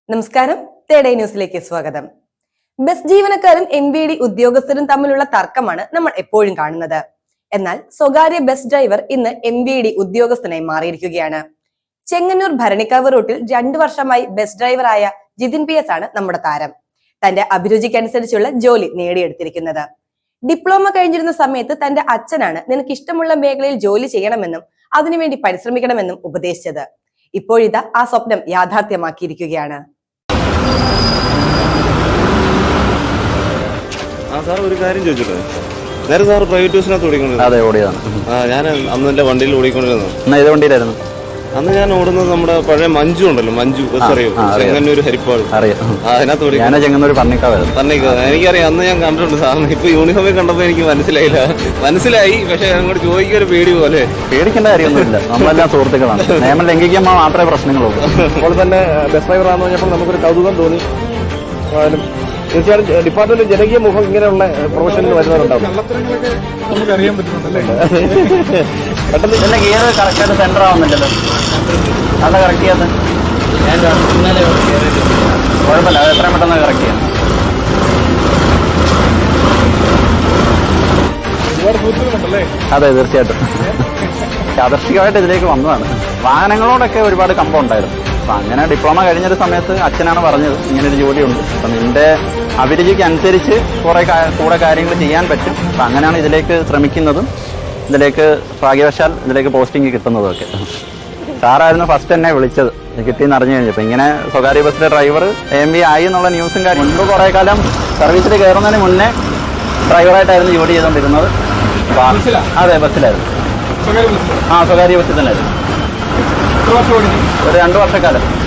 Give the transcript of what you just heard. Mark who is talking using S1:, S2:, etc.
S1: നമസ്കാരം, തേടേ ന്യൂസിലേക്ക് സ്വാഗതം. ബസ് ജീവനക്കാരും MVD ഉദ്യോഗസ്ഥരും തമ്മിലുള്ള തർക്കമാണ് നമ്മൾ എപ്പോഴും കാണുന്നത്. എന്നാൽ സ്വകാര്യ ബസ് ഡ്രൈവർ ഇന്ന് MVD ഉദ്യോഗസ്ഥനായി മാറിയിരിക്കുകയാണ്. ചെങ്ങന്നൂർ ഭരണിക്കാവ് റൂട്ടിൽ 2 വർഷമായി ബസ് ഡ്രൈവറായ ജിതിൻ PS ആണ് നമ്മുടെ താരം. തന്റെ അഭിരുചിക്കനുസരിച്ചുള്ള ജോലി നേടിയെടുത്തിരിക്കുന്നത്. ഡിപ്ലോമ കഴിഞ്ഞിരുന്ന സമയത്ത് തന്റെ അച്ഛനാണ് നിനക്ക് ഇഷ്ടമുള്ള മേഖലയിൽ ജോലി ചെയ്യണമെന്നും അതിനുവേണ്ടി പരിശ്രമിക്കണമെന്നും ഉപദേശിച്ചത്. ഇപ്പോഴിതാ ആ സ്വപ്നം യാഥാർത്ഥ്യമാക്കിയിരിക്കുകയാണ്.
S2: സാർ ഒരു കാര്യം ചോദിച്ചോട്ടെ, നേരെ സാർ പ്രൈവറ്റ് ബസ്സിനകത്ത് ഓടിക്കൊണ്ടിരുന്നു?
S3: അതെ, ഓടിയതാണ്.
S2: ഞാൻ അന്ന് എന്റെ വണ്ടിയിൽ ഓടിക്കൊണ്ടിരുന്നു.
S3: ഏത് വണ്ടിയിലായിരുന്നു?
S2: അന്ന് ഞാൻ ഓടുന്നത് നമ്മുടെ പഴയ മഞ്ജു ഉണ്ടല്ലോ, മഞ്ജു ബസ് അറിയോ? ചെങ്ങന്നൂർ ഹരിപ്പാട്. അതിനകത്ത്
S3: ചെങ്ങന്നൂർ
S2: പറഞ്ഞിക്കാവ്. എനിക്കറിയാം, അന്ന് ഞാൻ കണ്ടിട്ടുണ്ട് സാറിന്. ഇപ്പൊ യൂണിഫോമിൽ കണ്ടപ്പോ എനിക്ക് മനസ്സിലായി. പക്ഷെ അങ്ങോട്ട് ചോദിക്കുക ഒരു പേടി പോലെ.
S3: പേടിക്കേണ്ട കാര്യമൊന്നുമില്ല, നമ്മളെല്ലാം സുഹൃത്തുക്കളാണ്. നിയമം ലംഘിക്കുമ്പോൾ മാത്രമേ പ്രശ്നങ്ങളുള്ളൂ.
S4: അപ്പോൾ തന്നെ ബസ് ഡ്രൈവറാന്ന് പറഞ്ഞപ്പോൾ നമുക്കൊരു കൗതുകം തോന്നി. തീർച്ചയായും ഡിപ്പാർട്ട്മെന്റ് ജനകീയ മുഖം ഇങ്ങനെയുള്ള പ്രൊഫഷനിൽ വരുന്നവരുണ്ടാവും. നമുക്കറിയാൻ പറ്റുന്നുണ്ടല്ലേ?
S3: പെട്ടെന്ന് ഇതിന്റെ ഗിയർ കറക്റ്റായിട്ട് സെന്റർ ആവുന്നില്ലല്ലോ. അത് കറക്റ്റ് ചെയ്യാത്ത കുഴപ്പമില്ല, അത് എത്രയും പെട്ടെന്ന് കറക്റ്റ് ചെയ്യാം. അതെ, തീർച്ചയായിട്ടും യാദർശികമായിട്ട് ഇതിലേക്ക് വന്നതാണ്. വാഹനങ്ങളോടൊക്കെ ഒരുപാട് കമ്പം ഉണ്ടായിരുന്നു. അപ്പം അങ്ങനെ ഡിപ്ലോമ കഴിഞ്ഞൊരു സമയത്ത് അച്ഛനാണ് പറഞ്ഞത് ഇങ്ങനൊരു ജോലിയുണ്ട്, അപ്പം നിന്റെ അഭിരുചിക്ക് അനുസരിച്ച് കൂടെ കാര്യങ്ങൾ ചെയ്യാൻ പറ്റും. അപ്പം അങ്ങനെയാണ് ഇതിലേക്ക് ശ്രമിക്കുന്നതും ഇതിലേക്ക് ഭാഗ്യവശാൽ ഇതിലേക്ക് പോസ്റ്റിംഗ് കിട്ടുന്നതും ഒക്കെ. സാറായിരുന്നു ഫസ്റ്റ് എന്നെ വിളിച്ചത് കിട്ടിയെന്ന് അറിഞ്ഞു കഴിഞ്ഞപ്പോൾ. ഇങ്ങനെ സ്വകാര്യ ബസ്സിലെ ഡ്രൈവർ AMV ആയി എന്നുള്ള ന്യൂസും കാര്യം മുൻപ് കുറേ കാലം സർവീസിൽ കയറുന്നതിന് മുന്നേ ഡ്രൈവറായിട്ടായിരുന്നു ജോലി ചെയ്തുകൊണ്ടിരുന്നത്. അതെ, ബസ്സിലായിരുന്നു. സ്വകാര്യ ബസ്സിൽ തന്നെയായിരുന്നു. ഒരു 2 വർഷക്കാലം.